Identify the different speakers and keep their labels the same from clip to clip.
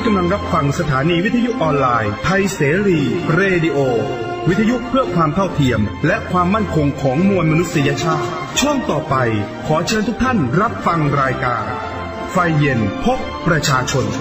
Speaker 1: กำลังรับฟังสถานีวิทยุออนไลน์ไทยเสรีเรดิโอวิทยุเพื่อความเท่าเทียมและความมั่นคงของมวลมนุษยชาติช่วงต่อไปขอเชิญทุกท่านรับฟังรายการไฟเย็นพบประชาชน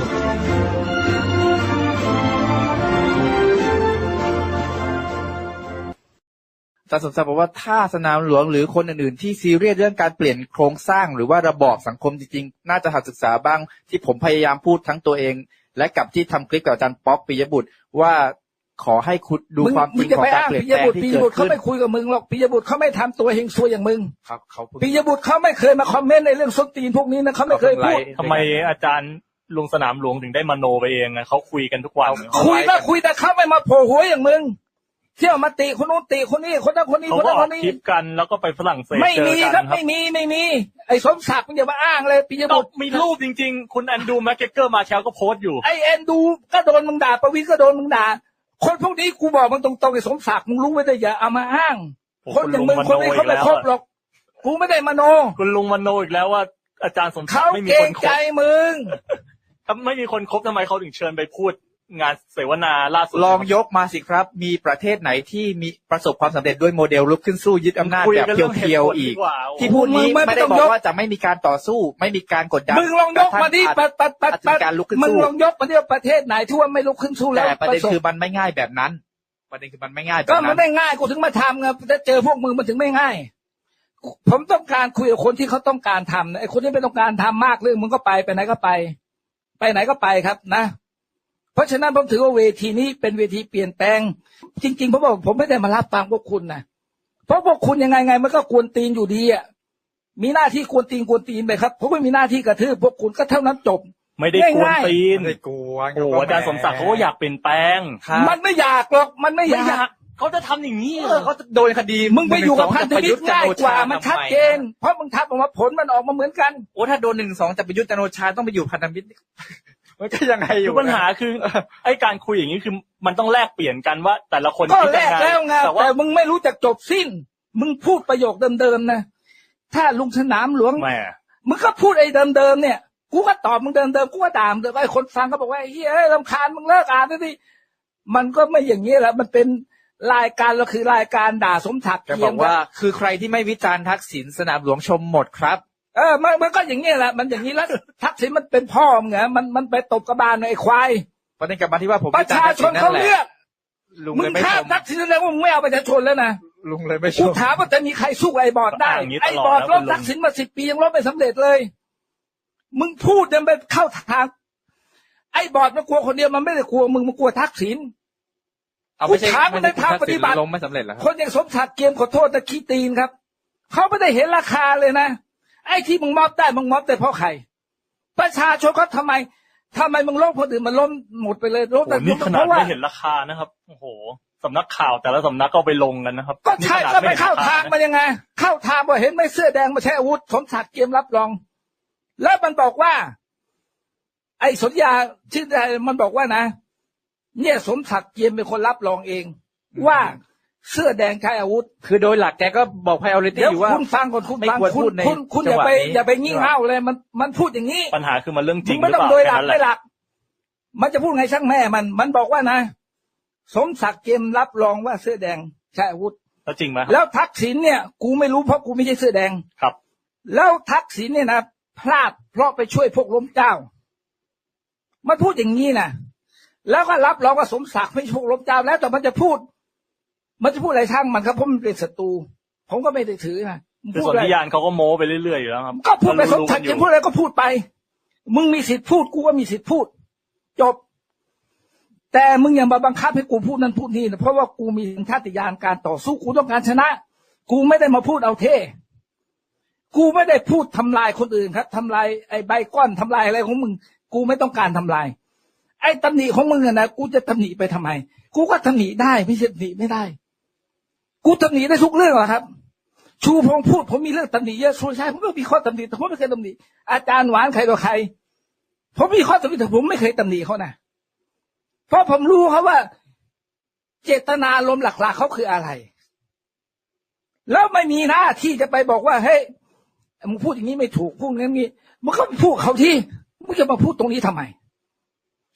Speaker 2: อาจารย์สมศักดิ์บอกว่าถ้าสนามหลวงหรือคนอื่นๆที่ซีเรียสเรื่องการเปลี่ยนโครงสร้างหรือว่าระบอบสังคมจริงๆน่าจะหัดศึกษาบ้างที่ผมพยายามพูดทั้งตัวเองและกับที่ทำคลิปกับอาจารย์ป๊อกปิยบุตรว่าขอให้คุณดูความจริงของการเปลี่ยนแปลงที่เกิดขึ้น
Speaker 3: เขาไม่คุยกับมึงหรอกปิยบุตรเขาไม่ทำตัวเฮงซวยอย่างมึง
Speaker 2: ครับเขา
Speaker 3: ปิยบุตรเขาไม่เคยมาคอมเมนต์ในเรื่องส้นตีนพวกนี้นะเขาไม่เคยพูด
Speaker 4: ทำไมอาจารย์ลุงสนามหลวงถึงได้มโนไปเองนะเขาคุยกันทุกวัน
Speaker 3: คุยก็คุยแต่เขาไม่มาโผล่หัวอย่างมึงเที่ยวมาติคนนู้นติคนนี้คนนั้นคนนี้คนนั้นคนนี้
Speaker 4: คลิปกันแล้วก็ไปฝรั่งเศส
Speaker 3: ไม่มีครับไม่มีไอ้สมศักดิ์มึงอย่ามาอ้างเลยปิยบุตร
Speaker 4: มีรูปจริงๆคุณแอนดูแม็กเกเกอร์มาเช้าก็โพสต์อยู่
Speaker 3: ไอ้แอนดูก็โดนมึงด่าประวิตรก็โดนมึงด่าคนพวกนี้กูบอกมึงตรงๆไอ้สมศักดิ์มึงรู้ไว้แต่อย่าเอามาอ้างคนอย่างมึงคนนี้เขาไม่ครบหรอกกูไม่ได้มโน
Speaker 4: คุณลุงมโนอีกแล้วว่าอาจารย์สมศักดิ์ไม่มีคนคบ
Speaker 3: ใจมึง
Speaker 4: ถ้าไม่มีคนคบทำไมเขาถึงเชิญไปพูดงานเสวนาล่าสุด
Speaker 2: ลองยกมาสิครับมีประเทศไหนที่มีประสบความสำเร็จด้วยโมเดลลุกขึ้นสู้ยึดอำนาจแบบเพียวๆอีกที่พูดนี้ไม่ได้บอกว่าจะไม่มีการต่อสู้ไม่มีการกดดัน
Speaker 3: มึงลองยกมาดิมึงลองยกมาดิประเทศไหนที่ว่าไม่ลุกขึ้นสู้แล้ว
Speaker 2: แต่ประเด็นคือมันไม่ง่ายแบบนั้นประเด็นคือมันไม่ง่ายแบบนั้น
Speaker 3: ก็มันไม่ง่ายกูถึงมาทำไงถ้าเจอพวกมึงมันถึงไม่ง่ายผมต้องการคุยกับคนที่เขาต้องการทำไอ้คนที่ไม่ต้องการทำมากเรื่องมึงก็ไปไหนก็ไปไหนก็ไปครับนะเพราะฉะนั้นผมถือว่าเวทีนี้เป็นเวทีเปลี่ยนแปลงจริงๆผมบอกผมไม่ได้มารับฟังพวกคุณนะเพราะพวกคุณยังไงมันก็กวนตีนอยู่ดีอ่ะมีหน้าที่กวนตีนไปครับผมไม่มีหน้าที่กระทืบพวกคุณก็เท่านั้นจบ
Speaker 4: ไม่ได้กวนตีนไม่ได้กวนโอ้อาจารย์สมศักดิ์เขาก็อยากเปลี่ยนแปลง
Speaker 3: มันไม่อยากหรอกมันไม่อยาก
Speaker 4: เขาจะทำอย่างนี้
Speaker 2: เขาโดนคดี
Speaker 3: มึงไปอยู่กับพันธมิตรง่ายกว่ามันชัดเจนเพราะมึงทำออกมาผลมันออกมาเหมือนกัน
Speaker 2: โอ้ถ้าโดน1-2จะไปยุทธจันทร์โอชาต้องไปอยู่พันธมิตรมันก็ยังไงอยู่
Speaker 4: ปัญหาคือไอ้การคุยอย่างนี้คือมันต้องแลกเปลี่ยนกันว่าแต่ละคน
Speaker 3: ก็แลกแล้วไงแต่มึงไม่รู้จักจบสิ้นมึงพูดประโยคเดิมๆนะถ้าลุงสนามหลวงมึงก็พูดไอ้เดิมๆเนี่ยกูก็ตอบมึงเดิมๆกูก็ด่ามึงไอ้คนฟังก็บอกว่าเฮ้ยรำคาญมึงเลิกอ่านได้ดิมันก็ไม่อย่างนี้แหละมันเป็นรายการเราคือรายการด่าสมศักดิ์
Speaker 2: จะบอกว่าคือใครที่ไม่วิจารณ์ทักษิณสนามหลวงชมหมดครับ
Speaker 3: มันก็อย่างนี้แหละมันอย่างนี้แล้วทักษิณมันเป็นพ่อมึงไงมันไปตบกระบาลไอ้ควาย
Speaker 2: ประเด็นกลับมาที่ว่าผม
Speaker 3: ประชาชนเขาเลือกมึงฆ่าทักษิณแล้วมึงไม่เอาประชาชนแล้วนะ
Speaker 2: ลุงเลยไม่ชม
Speaker 3: กูถามว่าจะมีใครสู้ไอ้บอร์ดได้ไอ้บอร์ดลบทักษิณมา10 ปียังลบไม่สำเร็จเลยมึงพูดยังไปเข้าทางไอ้บอร์ดมันกลัวคนเดียวมันไม่ได้กลัวมึงมันกลัวทักษิณกูถามมันในทางปฏิบัติคนอย่างสมศักดิ์เกียมขอโทษนะขี้ตีนครับเขาไม่ได้เห็นราคาเลยนะไอ้ที่มึงมอบได้มึงมอบแต่เพราะใครประชาชนเขาทำไมมึงล้มคนอื่นมันล้มหมดไปเลยล้มแต่
Speaker 4: นี่ขนาดไม่เห็นราคานะครับโอ้โหสำนักข่าวแต่ละสำนักก็ไปลงกันนะครับ
Speaker 3: ก็ใช่ก็ไม่เข้าทางมันยังไงเข้าทางว่าเห็นไม่เสื้อแดงมาใช้อาวุธสมศักดิ์เกียมรับรองแล้วมันบอกว่าไอ้สัญญาชื่อใดมันบอกว่านะเนี่ยสมศักดิ์เกียมเป็นคนรับรองเองว่าเสื้อแดงใช้อาวุธ
Speaker 2: คือโดยหลักแกก็บอก priority อยู่ว่า
Speaker 3: คุณฟังก่อนคุณฟังคุณอย่าไปงี่เง่าเลยมันพูดอย่างนี้
Speaker 4: ปัญหาคือมันเรื่องจริง
Speaker 3: ไม่ต้องโดยหลักไม่หลักมันจะพูดไงช่างแม่มันบอกว่านะสมศักดิ์เกมรับรองว่าเสื้อแดงใช้อาวุธ
Speaker 4: แล้วจริงไหม
Speaker 3: แล้วทักษิณเนี่ยกูไม่รู้เพราะกูไม่ใช่เสื้อแดง
Speaker 4: ครับ
Speaker 3: แล้วทักษิณเนี่ยนะพลาดเพราะไปช่วยพวกล้มเจ้ามันพูดอย่างนี้นะแล้วก็รับรองว่าสมศักดิ์ไม่พวกล้มเจ้าแล้วแต่มันจะพูดอะไรช่างมันครับเพราะมันเป็นศัตรูผมก็ไม่ได้ถือนะ
Speaker 4: คือสัญญาณเขาก็โม้ไปเรื่อยๆอยู่แล้วครับ
Speaker 3: ก็พูดไปสมศักดิ์จะพูดอะไรก็พูดไปมึงมีสิทธิ์พูดกูก็มีสิทธิ์พูดจบแต่มึงอย่ามาบังคับให้กูพูดนั่นพูดนี่นะเพราะว่ากูมีสัญชาตญาณการต่อสู้กูต้องการชนะกูไม่ได้มาพูดเอาเท่กูไม่ได้พูดทำลายคนอื่นครับทำลายไอ้ใบก้อนทำลายอะไรของมึงกูไม่ต้องการทำลายไอ้ตำหนิของมึงนะกูจะตำหนิไปทำไมกูก็ตำหนิได้ไม่ใช่ตำหนิไม่ได้กูตำหนิได้ทุกเรื่องหรอครับชูพงพูดผมมีเรื่องตำหนิเยอะชูชัยผมก็มีข้อตำหนิแต่ผมไม่เคยตำหนิอาจารย์หวานใครต่อใครผมมีข้อตำหนิแต่ผมไม่เคยตำหนิเขานะเพราะผมรู้ครับว่าเจตนาลมณ์หลักๆเขาคืออะไรแล้วไม่มีหน้าที่จะไปบอกว่าเฮ้ยมึงพูดอย่างนี้ไม่ถูกพูดอย่างนี้มึงก็พูดเขาที่มึงจะมาพูดตรงนี้ทำไม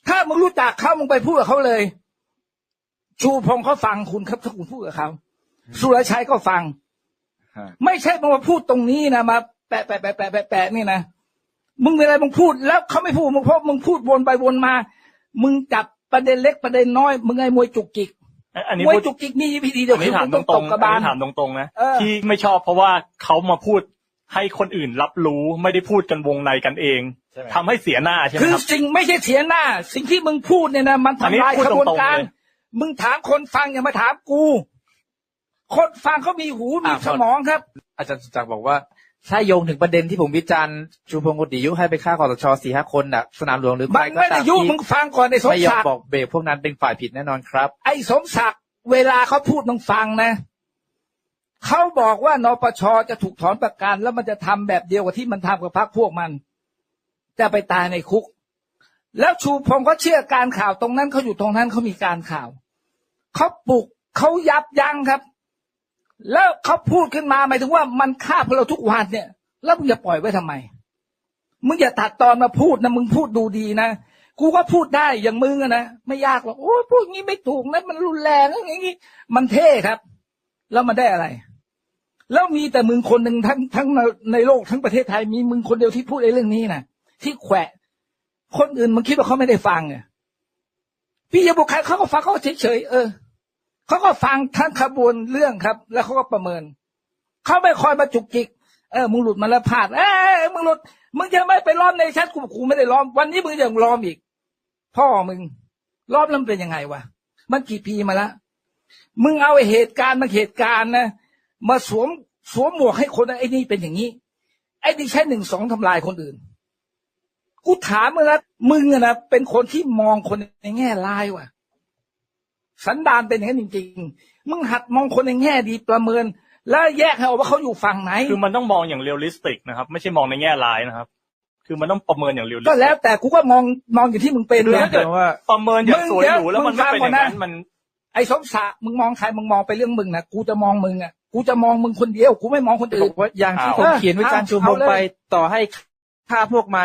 Speaker 3: ถ้ามึงรู้จักเขามึงไปพูดกับเขาเลยชูพงษ์เขาฟังคุณครับถ้าคุณพูดกับเขาสุรชัยก็ฟังไม่ใช่มึงมาพูดตรงนี้นะมาแปะนี่นะมึงมีอะไรมึงพูดแล้วเขาไม่พูดมึงเพราะมึงพูดวนไปวนมามึงจับประเด็นเล็กประเด็นน้อยมึงไอ้มวยจุกจิก
Speaker 4: อันนี้
Speaker 3: มวยจุกจิกนี่วิธีเดียวคือมึงต้องตบกระบาล
Speaker 4: ถามตรงๆนะที่ไม่ชอบเพราะว่าเขามาพูดให้คนอื่นรับรู้ไม่ได้พูดกันวงในกันเองทำให้เสียหน้าใช่ไหมครับ
Speaker 3: คือสิ่งไม่ใช่เสียหน้าสิ่งที่มึงพูดเนี่ยนะมันทำลายกระบวนการมึงถามคนฟังอย่ามาถามกูคนฟังเขามีหูมีสมองครับ
Speaker 2: อาจารย์สุจักรบอกว่าถ้าโยงถึงประเด็นที่ผมวิจารณ์ชูพงศ์กฎยุให้ไปฆ่าคสช 4-5 คนน่ะสนามหลวงหรือใครก็ตาม
Speaker 3: ไม่ได้ยุมึงฟังก่อนไอ้สมศักดิ์
Speaker 2: ไม่ยอมบอกเบรกพวกนั้นเป็นฝ่ายผิดแน่นอนครับ
Speaker 3: ไอ้สมศักดิ์เวลาเขาพูดมึงฟังนะเขาบอกว่านปช.จะถูกถอนประกันแล้วมันจะทำแบบเดียวกับที่มันทำกับพรรคพวกมันจะไปตายในคุกแล้วชูพงศ์เขาเชื่อการข่าวตรงนั้นเขาอยู่ตรงนั้นเขามีการข่าวเขาปลุกเขายับยั้งครับแล้วเขาพูดขึ้นมาหมายถึงว่ามันฆ่าพวกเราทุกวันเนี่ยแล้วมึงจะปล่อยไว้ทำไมมึงอย่าตัดตอนมาพูดนะมึงพูดดูดีนะกูก็พูดได้อย่างมึงนะไม่ยากหรอกโอ้พูดงี้ไม่ถูกนะมันรุนแรงอย่างงี้มันเท่ครับแล้วมันได้อะไรแล้วมีแต่มึงคนหนึ่งทั้งในโลกทั้งประเทศไทยมีมึงคนเดียวที่พูดไอ้เรื่องนี้นะที่แขวะคนอื่นมึงคิดว่าเขาไม่ได้ฟังอ่ะพี่ยบุคคลเขาก็ฟังเขาเฉยเขาก็ฟังทั้งขบวนเรื่องครับแล้วเขาก็ประเมินเขาไม่คอยมาจุกจิกมึงหลุดมาแล้วพลาดมึงหลุดมึงจะไม่ไปล้อมในชั้นกูไม่ได้ล้อมวันนี้มึงยังล้อมอีกพ่อมึงล้อมแล้วมันเป็นยังไงวะมันกี่ปีมาแล้วมึงเอาเหตุการณ์นะมาสวมหมวกให้คนไอ้นี่เป็นอย่างนี้ไอ้นี่ใช้1-2ทำลายคนอื่นกูถามมึงนะมึงนะเป็นคนที่มองคนในแง่ร้ายว่ะสันดานเป็นอย่างนั้นจริงๆมึงหัดมองคนในแง่ดีประเมินแล้วแยกให้ออกว่าเขาอยู่ฝั่งไหน
Speaker 4: คือมันต้องมองอย่างเรียลลิสติกนะครับไม่ใช่มองในแง่ร้ายนะครับคือมันต้องประเมินอย่างเรียลลิสติก
Speaker 3: ก็แล้วแต่กูก็มองอยู่ที่มึงเป็น
Speaker 4: นะแต่ว่าประเมินอย่างสวยหรูแล้วมันไม่เป็นอย่างนั้นมัน
Speaker 3: ไอ้สมศักดิ์มึงมองใครมึงมองไปเรื่องมึงนะกูจะมองมึงอ่ะกูจะมองมึงคนเดียวกูไม่มองคนอื่น
Speaker 2: ว่าอย่างที่ผมเขียนวิจารณ์ชูพงศ์ไปต่อให้ฆ่าพวกมัน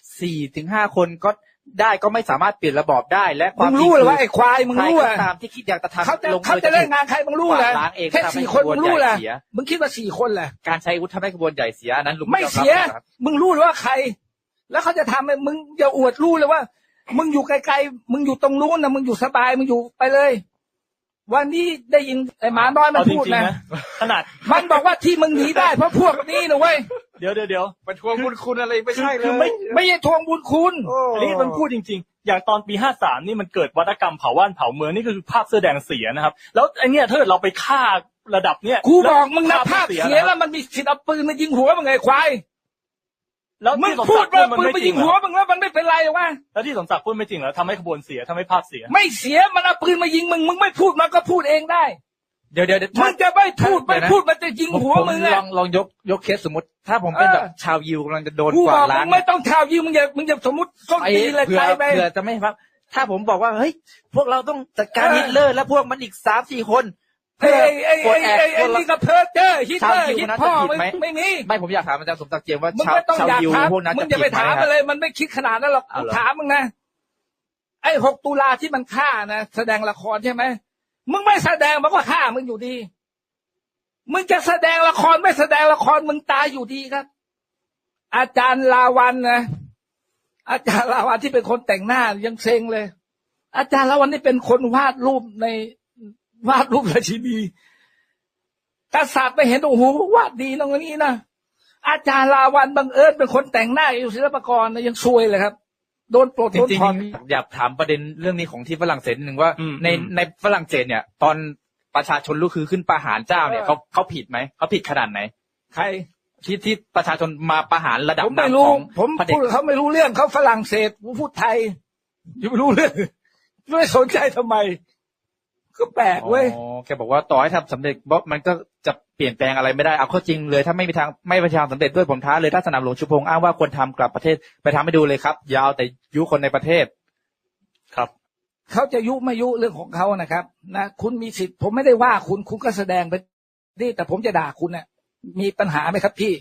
Speaker 2: 4-5 คนก็ได้ก็ไม่สามารถเปลี่ยนระบอบได้และความ
Speaker 3: จริงรู้เลยว่าไอ้ควายมึงรู้
Speaker 2: ตามที่คิดอยากจะท
Speaker 3: ำเขาจะเล่นงานใครมึงรู้เลยแค่4 คนมึงรู้เลยมึงคิดว่า4 คนแหละ
Speaker 2: การใช้อาวุธทำให้กระบวนใหญ่เสียนั้นลุง
Speaker 3: ไม่เสียมึงรู้เลยว่าใครแล้วเขาจะทำมึงอย่าอวดรู้เลยว่ามึงอยู่ไกลๆมึงอยู่ตรงนู้นนะมึงอยู่สบายมึงอยู่ไปเลยวันนี้ได้ยินไอ้หมาน้อยมันพูดนะ
Speaker 4: ขนาด
Speaker 3: มันบอกว่าที่มึงหนีได้เพราะพวกนี้นะเว้ย
Speaker 4: เดี๋ยว
Speaker 2: มันทวงบุญคุณอะไรไม่ใช่เลย
Speaker 3: ไม่ใช่ทวงบุญคุณ
Speaker 4: อันนี้มันพูดจริงๆอย่างตอนปี53นี่มันเกิดวัฒกรรมเผาบ้านเผาเมืองนี่คือภาพเสื้อแดงเสียนะครับแล้วไอ้เนี่ยถ้าเราไปฆ่าระดับเนี้ย
Speaker 3: กูบอกมึงนะภาพเสียแล้วมันมีสิทธิ์เอาปืนมายิงหัวมึงไงควาย
Speaker 4: แล้ว
Speaker 3: มึงพูดว่าปืนมายิงหัวมึงแล้วมันไม่เป็นไรหรอวะ
Speaker 4: แล้วที่สมศักดิ์พูดไม่จริงเหรอทำให้ขบวนเสียทำให้ภาพเสีย
Speaker 3: ไม่เสียมันเอาปืนมายิงมึงไม่พูดมันก็พูดเองได้
Speaker 2: เดี๋ยว
Speaker 3: มึงจะไม่พูดมันจะยิงหัวมึงอ่ะ
Speaker 2: ลองยกเคสสมมติถ้าผมเป็นแบบชาวยิวกำลังจะโดนกวาดล้าง
Speaker 3: มึงไม่ต้องชาวยิวมึงอย่าสมมติต้นตีเลยใครไป
Speaker 2: เผื่อจะไม่ครับถ้าผมบอกว่าเฮ้ยพวกเราต้องจัดการฮิตเลอร์และพวกมันอีก 3-4 คน
Speaker 3: ไอ้นี่ก็เพ้อเจ้อฮิตเลอร์ฮิตพ่อไม่มี
Speaker 2: ไม่ผมอยากถามอาจารย์สมศักดิ์เจียมว่าชาวยิวพวกนั้น
Speaker 3: มึงจะไปถามอะไรมันไม่คิดขนาดนั้นหรอกถามมึงนะไอ้6 ตุลาที่มันฆ่านะแสดงละครใช่ไหมมึงไม่แสดงมันก็ฆ่ามึงอยู่ดีมึงจะแสดงละครไม่แสดงละครมึงตายอยู่ดีครับอาจารย์ลาวันนะอาจารย์ลาวันที่เป็นคนแต่งหน้ายังเซ็งเลยอาจารย์ลาวันนี่เป็นคนวาดรูปราชินีกษัตริย์ไปเห็นโอ้โหวาดดีตรงนี้นะอาจารย์ลาวันบังเอิญเป็นคนแต่งหน้าอยู่ศิลปากรนะยังซวยเลยครับโดนปลดโดนถอน
Speaker 2: อยากถามประเด็นเรื่องนี้ของที่ฝรั่งเศสหนึ่งว่าในฝรั่งเศสเนี่ยตอนประชาชนลุกคือขึ้นประหารเจ้าเนี่ยเขาผิดไหมเขาผิดขนาดไหน
Speaker 3: ใคร
Speaker 2: ที่ประชาชนมาประหารระดับ
Speaker 3: ผมไม่รู้ผมพูดเขาไม่รู้เรื่องเขาฝรั่งเศสผมพูดไทยยังไม่รู้เรื่องไม่สนใจทำไมก็แปลกเว้ย
Speaker 2: แกบอกว่าต่อให้ทำสำเร็จมันก็จะเปลี่ยนแปลงอะไรไม่ได้เอาข้อจริงเลยถ้าไม่มีทางไม่ประชาสำเร็จด้วยผมท้าเลยถ้าสนามหลวงชูพงษ์อ้างว่าควรทำกลับประเทศไปทำให้ดูเลยครับยาวแต่ยุคนในประเทศ
Speaker 4: ครับ
Speaker 3: เขาจะยุไม่ยุเรื่องของเขานะครับนะคุณมีสิทธิ์ผมไม่ได้ว่าคุณก็แสดงไปดิแต่ผมจะด่าคุณเนี่ยมีปัญหาไหมครับพี่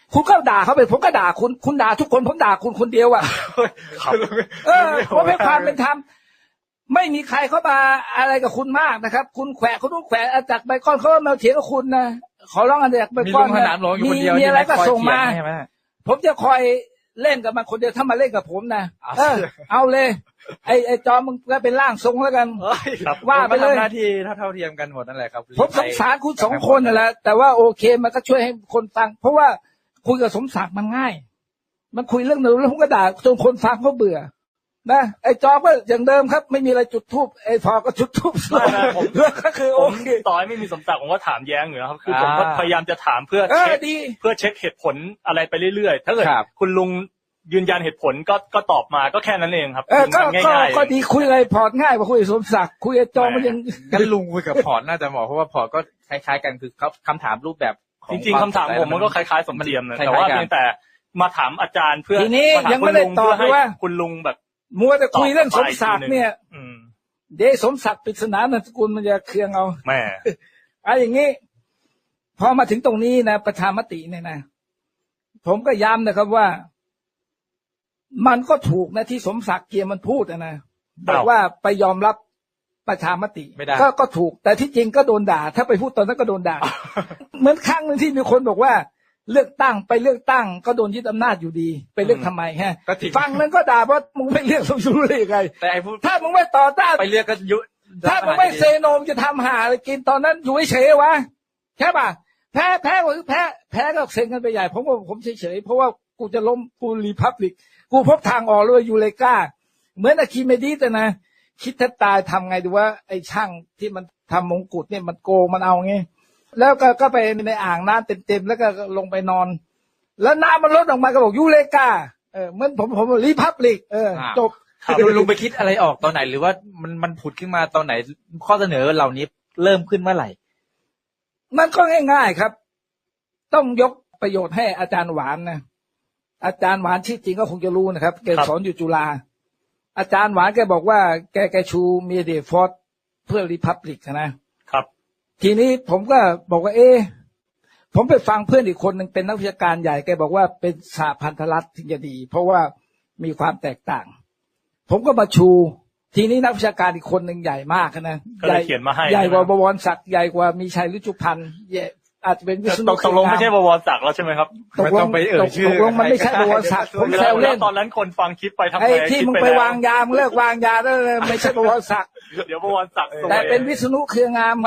Speaker 3: คุณก็ด่าเขาไปผมก็ด่าคุณด่าทุกคนผมด่าคุณคนเดียวอ่ะ
Speaker 4: ครับ
Speaker 3: ผมให้ความเป็นธรรมไม่มีใครเข้ามาอะไรกับคุณมากนะครับคุณแขวะคุณต้องแขวะอาจากไบคอนเขามาเถียงกับคุณนะขอร้องอาจากไบ
Speaker 2: มี
Speaker 3: คอ
Speaker 2: ลุ
Speaker 3: น
Speaker 2: งสนามหลวงอยู่คนเดียว
Speaker 3: มีอะไรก็
Speaker 2: คย
Speaker 3: ส่งมา
Speaker 2: เถียใช่ไหม
Speaker 3: ผมจะคอยเล่นกับมันคนเดียวถ้ามาเล่นกับผมนะเอาเลยไอ้จอมมึงก็เป็นร่างทรงแล้วกัน
Speaker 4: ครับ
Speaker 3: ว่าไปเลย
Speaker 2: ทำหน้าที่เท่าเทียมกันหมดนั่นแหละครับ
Speaker 3: ผมสงสารคุณสองคนนั่นแหละแต่ว่าโอเคมันก็ช่วยให้คนฟังเพราะว่าคุยกับสมศักดิ์มันง่ายมันคุยเรื่องนึงแล้วผมก็ด่าจนคนฟังเขาเบื่อนะไอ้จอก็อย่างเดิมครับไม่มีอะไรจุดทูบไอ้พอก็จุดทูบ
Speaker 4: ไม่นะผม
Speaker 3: ก็คือ
Speaker 4: ผ
Speaker 3: โอ
Speaker 4: ม
Speaker 3: เค
Speaker 4: ต่อให้ไม่มีสมศักดิ์ผมก็ถามแย้งอยู่นะครับคือผมก็พยายามจะถามเพื่อเช็ค
Speaker 3: ดี
Speaker 4: เพื่อเช็คเหตุผลอะไรไปเรื่อยๆถ้าเกิดคุณลุงยืนยันเหตุผลก็ตอบมาก็แค่นั้นเองครับ
Speaker 3: ก็ดีคุยอะไรพอร์ตง่ายกว่าคุยกับสมศักดิ์คุยกับจอมันยัง
Speaker 2: งั้นลุงคุยกับพอร์ตน่าจะเหมาะเพราะว่าพอร์ตก็คล้ายๆกันคือเขาคำถามรูปแบบของ
Speaker 4: จริงๆคำถามผมมันก็คล้ายๆสมเทียมนะแต่ว่าเพียงแต่มาถามอาจารย์เพื่อ
Speaker 3: ทีนี้
Speaker 4: มาถาม
Speaker 3: ยังไม่ได้ตอบเลยว่า
Speaker 4: คุณลุงแบบ
Speaker 3: มัวแต่คุยเรื่องสมศักดิ์เนี่ย
Speaker 4: อืม
Speaker 3: เดี๋ยวสมศักดิ์ปริศนานามสกุลมันจะเคืองเอา
Speaker 4: แม่
Speaker 3: อย่างนี้พอมาถึงตรงนี้นะประชามติเนี่ยนะผมก็ย้ำนะครับว่ามันก็ถูกนะที่สมศักดิ์เกียรติมันพูดนะบอกว่าไปยอมรับประชามติก็ถูกแต่ที่จริงก็โดนด่าถ้าไปพูดตอนนั้นก็โดนด่า เหมือนครั้งนึงที่มีคนบอกว่าเลือกตั้งไปเลือกตั้งก็โดนยึดอำนาจอยู่ดีไปเลือกทำไมฮะฟังนั้นก็ด่าว่ามึงไม่เลือกสมรู้ได้ยังไง
Speaker 2: แต่ไอ้พูด
Speaker 3: ถ้ามึงไม่ต่อต้าน
Speaker 2: ไปเลือกก็ยุ
Speaker 3: ถ้ามึงไม่เซโนมจะทำหาอะไรกินตอนนั้นอยู่เฉยๆวะใช่ป่ะแพ้ก็คือแพ้ก็เซ็งกันไปใหญ่ผมเฉยๆเพราะว่ากูจะล้มกูรีพับลิกกูพบทางออกเลยยูเลกาเหมือนอะคิเมดีแต่นะคิดแทบตายทำไงดูว่าไอ้ช่างที่มันทำมงกุฎเนี่ยมันโกงมันเอาไงแล้วก็ไปในอ่างน้ำเต็มๆแล้วก็ลงไปนอนแล้วน้ำมันลดออกมาก็บอกยูเลกาเหมือนผมรีพับลิกจบ
Speaker 2: ลุงไปคิดอะไรออกตอนไหนหรือว่ามันผุดขึ้นมาตอนไหนข้อเสนอเหล่านี้เริ่มขึ้นเมื่อไหร่
Speaker 3: มันก็ง่ายๆครับต้องยกประโยชน์ให้อาจารย์หวานนะอาจารย์หวานชื่อจริงก็คงจะรู้นะครับแกสอนอยู่จุฬาอาจารย์หวานแกบอกว่าแกชูเมเดฟอร์ดเพื่อรีพับลิกนะครับทีนี้ผมก็บอกว่าผมไปฟังเพื่อนอีกคนหนึ่งเป็นนักวิชาการใหญ่แกบอกว่าเป็นสหพันธรัฐถึงจะดีเพราะว่ามีความแตกต่างผมก็มาชูทีนี้นักวิชาการอีกคนหนึ่งใหญ่มากนะใหญ่กว่าบวรศักดิ์ใหญ่กว่ามีชัยฤชุพันธ์อาจจะเป็นวิษณุ
Speaker 4: ตกลงไม่ใช่บวรศักดิ์แล้วใช่ไหมครับ
Speaker 3: ตกลงมันไม่ใช่บวรศักดิ์ผมแซวเล่น
Speaker 4: ตอนนั้นคนฟังคลิปไปทำไม
Speaker 3: ที่มึงไปวางยามึงเลิกวางยาแล้วไม่ใช่บวรศักดิ์
Speaker 4: เดี๋ยวบวรศักดิ์
Speaker 3: แต่เป็นวิษณุเครืองาม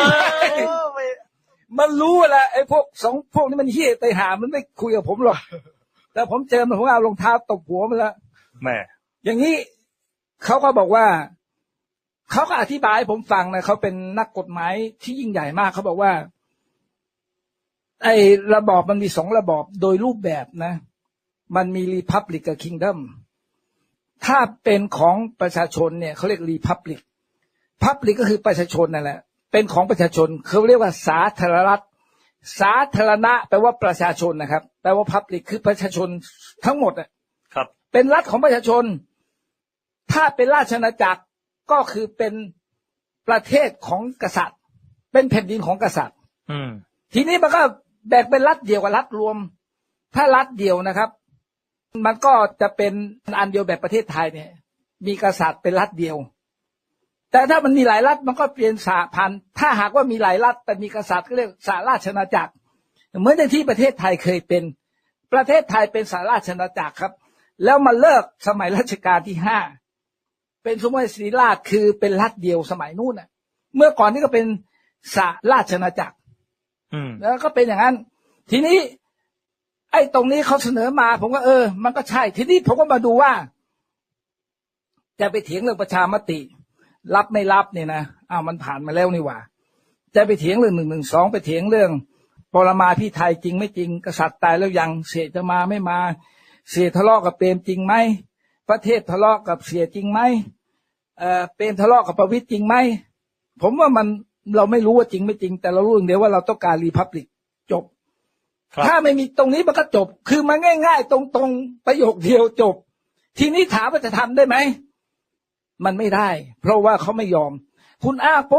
Speaker 3: มันรู้แหละไอ้พวกพวกนี้มันเหี้ยไปหามันไม่คุยกับผมหรอกแต่ผมเจอมันผมเอารองเท้าตบหัวมันแล้ว
Speaker 4: แม่
Speaker 3: อย่างนี้เขาก็บอกว่าเขาก็อธิบายให้ผมฟังนะเขาเป็นนักกฎหมายที่ยิ่งใหญ่มากเขาบอกว่าไอ้ระบอบมันมี2ระบอบโดยรูปแบบนะมันมี Republic กับ Kingdom ถ้าเป็นของประชาชนเนี่ยเขาเรียก Republic Public ก็คือประชาชนนั่นแหละเป็นของประชาชนเขาเรียกว่าสาธารณรัฐสาธารณะแปลว่าประชาชนนะครับแปลว่า Public คือประชาชนทั้งหมดอ่ะ
Speaker 4: ครับ
Speaker 3: เป็นรัฐของประชาชนถ้าเป็นราชอาณาจักรก็คือเป็นประเทศของกษัตริย์เป็นแผ่นดินของกษัตริย์ทีนี้มันก็แบ่งเป็นรัฐเดียวกับรัฐรวมถ้ารัฐเดียวนะครับมันก็จะเป็นอันเดียวแบบประเทศไทยเนี่ยมีกษัตริย์เป็นรัฐเดียวแต่ถ้ามันมีหลายรัฐมันก็เปลี่ยนสหพันธ์ถ้าหากว่ามีหลายรัฐแต่มีกษัตริย์ก็เรียกสหราชอาณาจักรเหมือนที่ประเทศไทยเคยเป็นประเทศไทยเป็นสหราชอาณาจักรครับแล้วมาเลิกสมัยรัชกาลที่5เป็นสมเด็จศรีราชคือเป็นรัฐเดียวสมัยนู้นน่ะเมื่อก่อนนี้ก็เป็นสหราชอาณาจักรแล้วก็เป็นอย่างนั้นทีนี้ไอ้ตรงนี้เขาเสนอมาผมก็มันก็ใช่ทีนี้ผมก็มาดูว่าจะไปเถียงเรื่องประชามติรับไม่รับเนี่ยนะมันผ่านมาแล้วนี่หว่าจะไปเถียงเรื่อง112ไปเถียงเรื่องปรมาภิไธยจริงไม่จริงกษัตริย์ตายแล้วยังเสียจะมาไม่มาเสียทะเลาะกับเปรมจริงไหมประเทศทะเลาะกับเสียจริงไหมเปรมทะเลาะกับประวิตรจริงไหมผมว่ามันเราไม่รู้ว่าจริงไม่จริงแต่เรารู้อย่างเดียวว่าเราต้องการรีพับลิกจบถ้าไม่มีตรงนี้มันก็จบคือมันง่ายๆตรงๆประโยคเดียวจบทีนี้ถามว่าจะทำได้ไหมมันไม่ได้เพราะว่าเขาไม่ยอมคุณปุ๊บ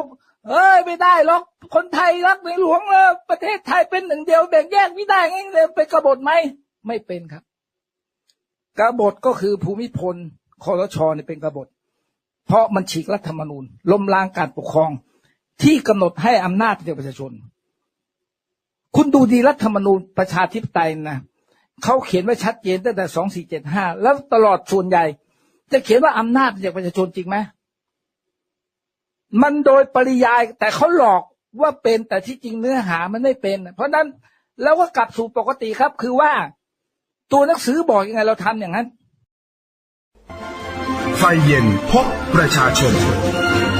Speaker 3: เอ้ยไม่ได้หรอกคนไทยรักในหลวงแล้วประเทศไทยเป็นหนึ่งเดียวแบ่งแยกไม่ได้งั้นเลยเป็นกบฏไหมไม่เป็นครับกบฏก็คือภูมิพลครช.เนี่ยเป็นกบฏเพราะมันฉีกรัฐธรรมนูญล้มล้างการปกครองที่กำหนดให้อำนาจแก่ประชาชนคุณดูดีรัฐธรรมนูญประชาธิปไตยนะเขาเขียนไว้ชัดเจนตั้งแต่2475แล้วตลอดส่วนใหญ่จะเขียนว่าอำนาจจากประชาชนจริงไหมมันโดยปริยายแต่เขาหลอกว่าเป็นแต่ที่จริงเนื้อหามันไม่เป็นเพราะนั้นเราก็กลับสู่ปกติครับคือว่าตัวหนังสือบอกยังไงเราทำอย่างนั้น
Speaker 1: ไฟเย็นพบประชาชน